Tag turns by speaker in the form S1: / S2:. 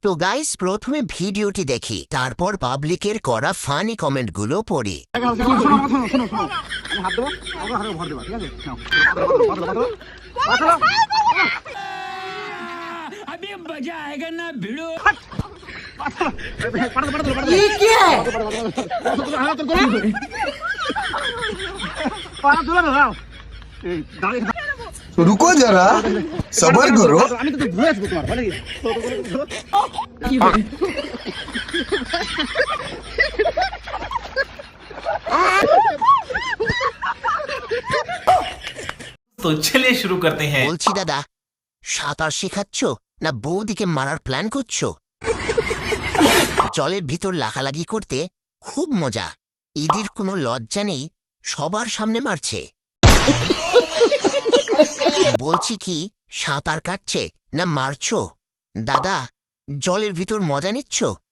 S1: তো গাইস, প্রথমে ভিডিওটি দেখি, তারপর পাবলিকের করা ফানি কমেন্টগুলো পড়ি।
S2: अभी मजा आएगा ना भिड़ो।
S3: रुको जरा सबर करो।
S4: तो चलिए शुरू करते हैं।
S1: বলছি দাদা, সাঁতার শেখাচ্ছ না বৌদিকে মারার প্ল্যান করছো? জলের ভিতর লাগালাগি করতে খুব মজা। ঈদের কোনো লজ্জা নেই, সবার সামনে মারছে। বলছি কি, সাঁতার কাটছে না মারছো? দাদা, জলের ভিতর মজা নিচ্ছ